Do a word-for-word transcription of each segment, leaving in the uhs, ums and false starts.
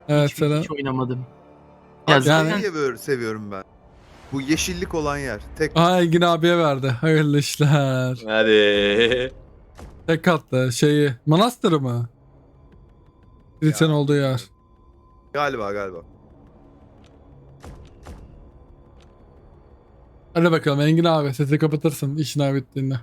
Evet hiç, sana. hiç oynamadım. Ya Ya yani- zaten niye böyle seviyorum ben? Bu yeşillik olan yer. Tek Aha Engin abiye verdi. Hayırlı işler. Hadi. Tek katlı şeyi. Manastırı mı? Kilisen Ya. olduğu yer. galiba galiba. Hadi bakalım Engin abi sesi kapatırsın işin bittiğinde.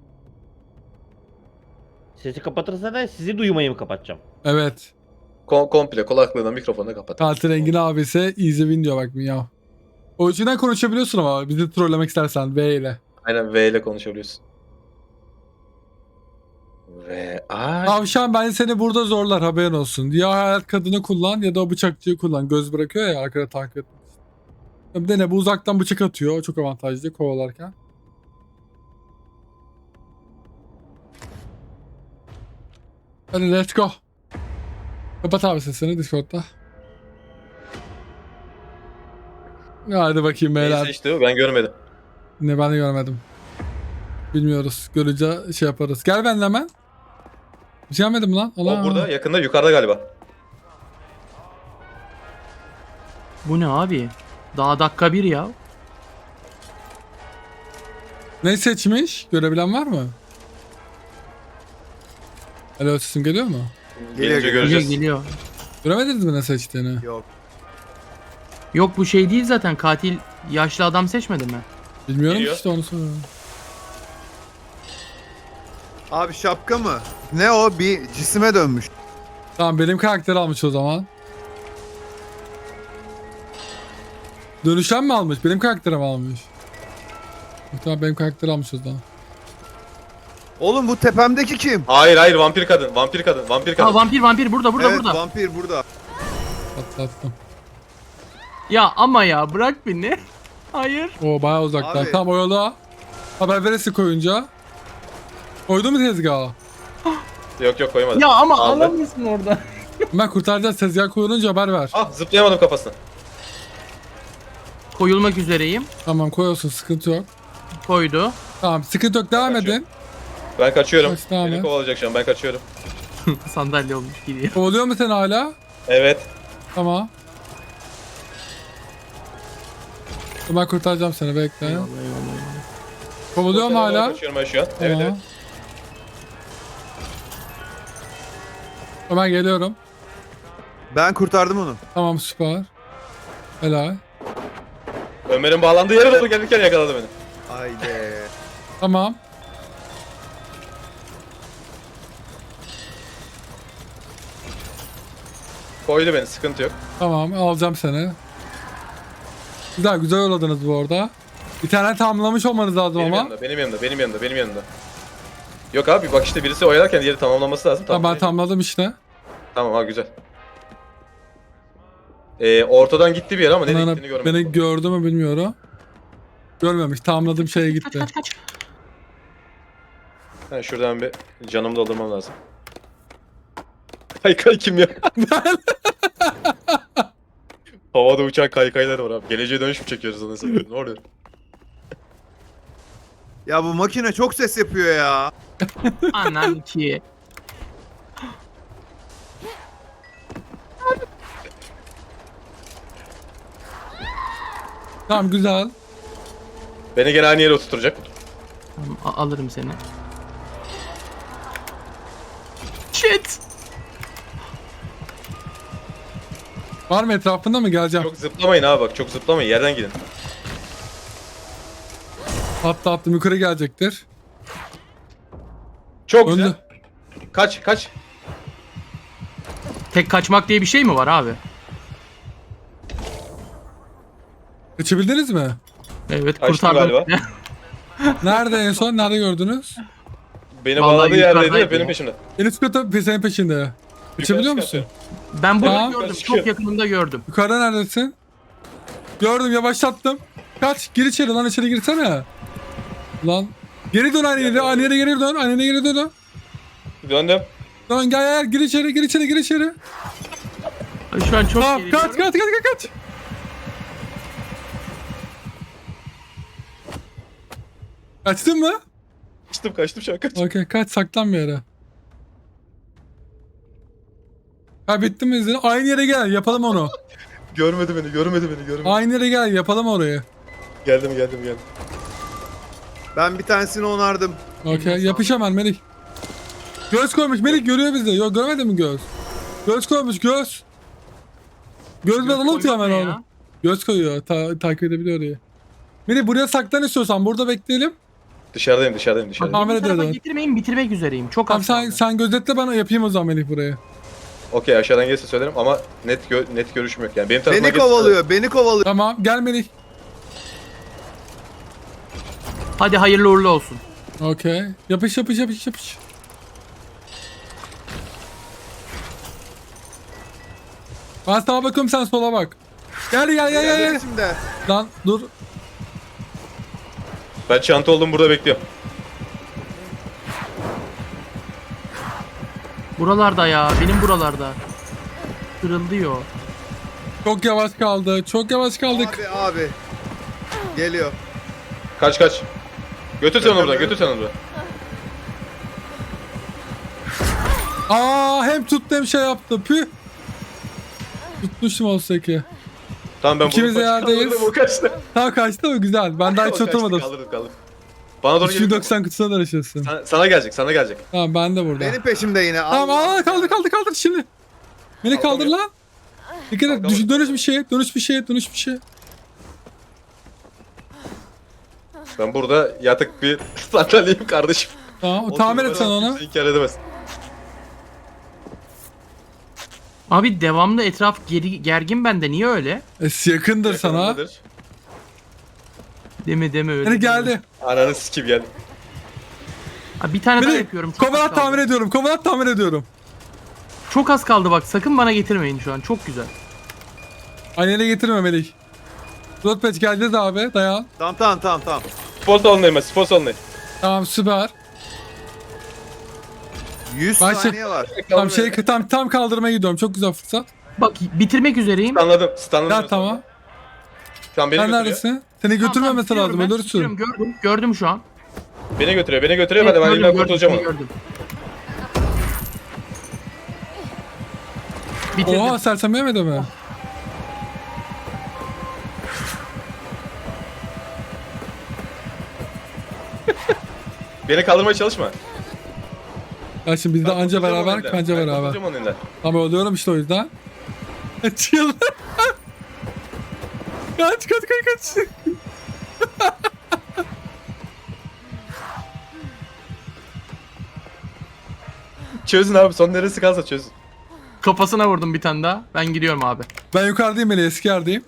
Sesi kapatırsa da sizi duymayı mı kapatacağım? Evet. Kom komple kulaklığını mikrofonunu kapat. Katil Engin abi ise easy win diyor bak ya. O yüzden konuşabiliyorsun ama bizi trollemek istersen V ile. Aynen V ile konuşabiliyorsun. V. Ay. Tavşan bence seni burada zorlar haberin olsun. Ya hayat kadını kullan ya da o bıçakçıyı kullan. Göz bırakıyor ya arkada takip etmek için. Bir de ne bu uzaktan bıçak atıyor. O çok avantajlı kovalarken. Hadi let's go. Kapat abi sesini Discord'da. Hadi bakayım Neyi beyler. seçti o? Ben görmedim. Ne ben de görmedim. Bilmiyoruz. Görünce şey yaparız. Gel benimle hemen. Bir şey yapmadım lan. O Allah. burada yakında yukarıda galiba. bu ne abi? Daha dakika bir ya. Ne seçmiş? Görebilen var mı? Alo sesim geliyor mu? Geliyor, Gelince geliyor. Geliyor göreceğiz. geliyor. Göremediniz mi ne seçtiğini? Yok. Yok bu şey değil zaten, katil yaşlı adam seçmedi mi? Bilmiyorum Geliyor. işte onu soruyorum. Abi şapka mı? Ne o? Bir cisime dönmüş. Tamam benim karakter almış o zaman. Dönüşen mi almış? Benim karakterim almış. Tamam benim karakter almış o zaman. Oğlum bu tepemdeki kim? Hayır hayır vampir kadın. Vampir kadın. Vampir kadın. Ha vampir vampir burada burada evet burada. vampir burada. Atlattım. Ya ama ya bırak beni. Hayır. O bayağı uzakta. Abi. Tamam o yola. Haber verirsin koyunca. Koydu mu tezgaha? Yok yok koymadım. Ya ama Aldı. alamıyorsun orada. Ben kurtaracağız tezgah koyulunca haber ver. Ah zıplayamadım kafasına. Koyulmak üzereyim. Tamam koyuyorsun sıkıntı yok. Koydu. Tamam sıkıntı yok devam Kaçıyor. edin. Ben kaçıyorum. Kaç tane? Beni kovalayacak şu an ben kaçıyorum. Sandalye olmuş gidiyor. Kovalıyor mu seni hala? Evet. Tamam. Ben kurtaracağım seni bekle. Eyvallah eyvallah eyvallah. Kovalıyor mu hala? Kaçıyorum ben şu an. Evet Tamam. evet. Hemen geliyorum. Ben kurtardım onu. Tamam süper. Helal. Ömer'in bağlandığı yere doğru gelirken yakaladı beni. Haydi. Tamam. Koydu beni sıkıntı yok. Tamam alacağım seni. Güzel güzel yolladınız bu arada. Bir tane tamamlamış olmanız lazım Benim ama. yanımda, benim yanımda, benim yanımda, benim yanımda. Yok abi bak işte birisi oyalarken diğeri tamamlaması lazım. Tamam ben Tamam, tamamladım işte. tamam ha güzel. Ee, ortadan gitti bir yere ama nereye Bana, gittiğini görmedim. beni gördü mü bilmiyorum. Görmemiş. Tamamladığım şeye Kaç gitti. kaç kaç. Ha, şuradan bir canımı doldurmam lazım. Kaykay kim ya? Havada uçan kaykaylar var abi. Geleceğe dönüş mü çekiyoruz onu sanıyorum. Ne oluyor? Ya bu makine çok ses yapıyor ya. Anan ki. Tamam güzel. Beni gene aynı yere oturtacak. Tamam, a- alırım seni. Shit. Var mı etrafında mı geleceğim? Çok zıplamayın abi bak çok zıplamayın yerden gidin. Hatta attım yukarı gelecektir. Çok Öldü. güzel. Kaç kaç. Tek kaçmak diye bir şey mi var abi? Kaçabildiniz mi? Evet Kaçtım kurtardım. galiba. Nerede en son? Nerede gördünüz? Beni Vallahi bağladığı yerdeydi yukarıdaydı de benim ya. peşimde. En üst kata senin peşinde. Kaçabiliyor musun? çıkartıyorum. Ben bunu Tamam. gördüm. Çıkıyor. Çok yakınında gördüm. Yukarıda neredesin? Gördüm yavaşlattım. Kaç gir içeri lan içeri girsene. Lan geri dön aynı yere aynı yere geri dön aynı yere geri dön. Döndüm. Dön gel gel gir içeri gir içeri gir içeri. Ay, Şu an çok Tamam geriliyorum. kaç kaç kaç kaç kaç. Kaçtın mı? Kaçtım kaçtım şu an kaç. Okey kaç saklan bir yere. Ha bitti mi izin? Aynı yere gel yapalım onu. Görmedi beni, görmedi beni, görmedi. Aynı yere gel yapalım orayı. Geldim, geldim, geldim. Ben bir tanesini onardım. Okey yapış hemen Melih. Göz koymuş Melih görüyor bizi. Yok görmedin mi göz? Göz koymuş göz. Göz ben unutuyor hemen koymak ne onu. ya? Göz koyuyor. Ta takip edebiliyor orayı. Melih buraya saklan istiyorsan burada bekleyelim. Dışarıdayım, dışarıdayım, dışarıdayım. Tamam. Beni Kamera bu tarafa diyordu. getirmeyin, bitirmek üzereyim. Çok Tamam az sen, kaldı. sen gözetle ben yapayım o zaman Melih buraya. Okey, aşağıdan gelirse söylerim ama net gö- net görüşüm yok yani. Benim tarafıma Beni gelirse- kovalıyor, beni kovalıyor. Tamam gel Melih. Hadi hayırlı uğurlu olsun. Okey. Yapış yapış yapış yapış. Ben sağa bakıyorum sen sola bak. Gel gel gel gel. gel. Şimdi. Lan dur. Ben çanta oldum, burada bekliyorum. Buralarda ya, benim buralarda. Kırılıyor. Çok yavaş kaldı. Çok yavaş kaldık. Abi abi. Geliyor. Kaç kaç. Götür sen onu buradan, götür sen onu buradan. Aa hem tuttu hem şey yaptı. Püh. Tutmuştum olsa ki. Tamam ben İkimiz de bunu yerdeyiz. kaldırdım, o kaçtı. Tamam kaçtı mı? Güzel. Ben daha O hiç kaçtı, oturmadım. Kaldırdım, kaldırdım. Bana doğru üç yüz geliyor. doksan kutusuna da yaşasın. Sana, sana gelecek, sana gelecek. Tamam ben de burada. Benim peşimde yine. Tamam Allah. aa kaldır kaldır kaldır şimdi. Beni kaldır Kalkamıyor. lan. Dikkat et. Düş, dönüş bir şey. Dönüş bir şey. Dönüş bir şey. Ben burada yatık bir sandalyeyim kardeşim. Tamam. O Tamir et sen numara onu. kimse inkar edemez. Abi devamlı etraf geri, gergin bende. Niye öyle? E, yakındır sana. Yakınındadır. Deme deme öyle. Beni deme. geldi. Ananı sikim geldi. Ha, bir tane daha Beni yapıyorum. Çok az kovalat kaldı. tamir ediyorum. Kovalat tamir ediyorum. Çok az kaldı bak. Sakın bana getirmeyin şu an. Çok güzel. Annene getirme Melih. Rotpatch geleceğiz abi. Dayan. Tamam tamam tamam tamam. Spor salonundayım ben, spor salonundayım. Tamam süper. yüz Ben şey- saniye var. Tam şey tam tam kaldırmaya gidiyorum. Çok güzel fırsat. Bak bitirmek üzereyim. Anladım, stanladım. Gel tamam. Şu an beni Sen götürüyor. neredesin? Seni Tamam, götürmemesi tamam, lazım. bitiriyorum ben. Ölürsün. Bitiriyorum, Gördüm. Gördüm şu an. Beni götürüyor, beni götürüyor. Evet, Hadi ben gördüm, elinden gördüm, kurtulacağım onu. gördüm. Bitirdim. Oha sersem yemedi mi? Beni kaldırmaya çalışma. Ya şimdi biz de Ben anca kurtulacağım onun beraber elinden. kanca Ben beraber. kurtulacağım onun elinden. Ama oluyorum işte o yüzden. Çıl. Kaç kaç kaç kaç. Çözün abi, son neresi kalsa çözün. Kafasına vurdum bir tane daha. Ben gidiyorum abi. Ben yukarıdayım Melih eski yerdeyim.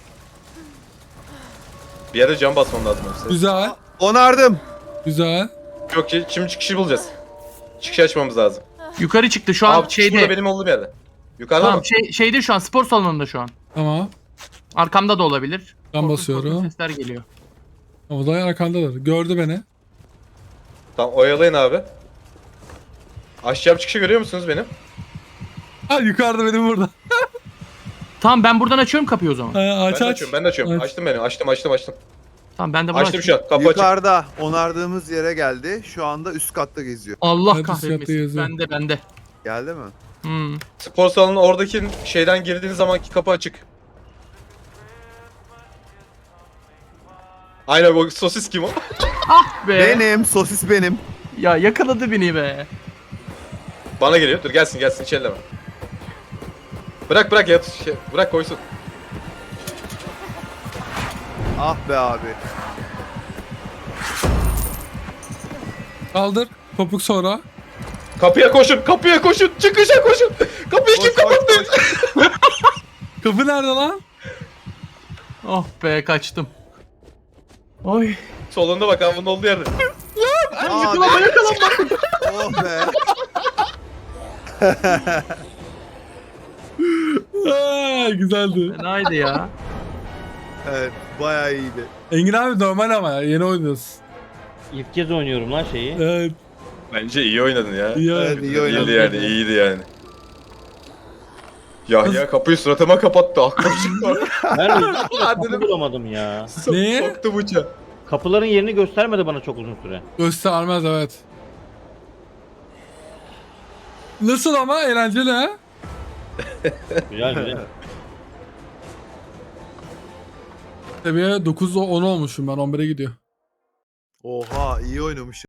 Bir yerde cam basmam lazım yoksa. Güzel. Onardım. Güzel. Yok ki şimdi çıkışı bulacağız. Çıkışı açmamız lazım. Yukarı çıktı şu an Abi şeyde. şurada benim olduğum yerde. Yukarıda Tamam mı? şey, şeyde şu an spor salonunda şu an. Tamam. Arkamda da olabilir. Ben Korkunç basıyorum. korkunç sesler geliyor. O da arkandadır. Gördü beni. Tamam, oyalayın abi. Aşağı çıkışı görüyor musunuz benim? Ha yukarıda benim burada. Tamam ben buradan açıyorum kapıyı o zaman. Ha, Ben aç de aç. açıyorum, ben de açıyorum. Aç. Açtım beni, açtım, açtım, açtım. Tamam ben de bunu Açtım şu açıyorum. an, kapı açık. Yukarıda onardığımız yere geldi. Şu anda üst katta geziyor. Allah Hadi fiyatı kahretmesin. yazıyor. Bende bende. Geldi mi? Hmm. Spor salonu oradaki şeyden girdiğiniz zamanki kapı açık. Aynen, o sosis kim o? Ah be. Benim sosis benim. Ya yakaladı beni be. Bana geliyor. Dur gelsin gelsin, hiç elleme. Bırak bırak yat şey, bırak koysun. Ah be abi. Kaldır. Topuk sonra. Kapıya koşun, kapıya koşun, çıkışa koşun. Kapıyı kim Koş, koş, kapattı? Kapı nerede lan? Oh be kaçtım. Oy. Solunda bak abi, bunun olduğu yerde. Abi. Yakalanma yakalanma. Oh be. Aa, güzeldi. Fenaydı ya. Evet bayağı iyiydi. Engin abi normal ama ya. Yeni oynuyoruz. İlk kez oynuyorum lan şeyi. Evet. Bence iyi oynadın ya. İyi Evet, abi. iyi oynadın. İyiydi yani, iyiydi yani. Ya ya kapıyı suratıma kapattı. Aklım çıktı. Ben Hadi kapı bulamadım ya. Ne? Soktu bıçağı. Kapıların yerini göstermedi bana çok uzun süre. Göstermez evet. Nasıl ama eğlenceli ha? Güzel güzel. Seviye dokuz on olmuşum ben, on bire gidiyor. Oha iyi oynamış.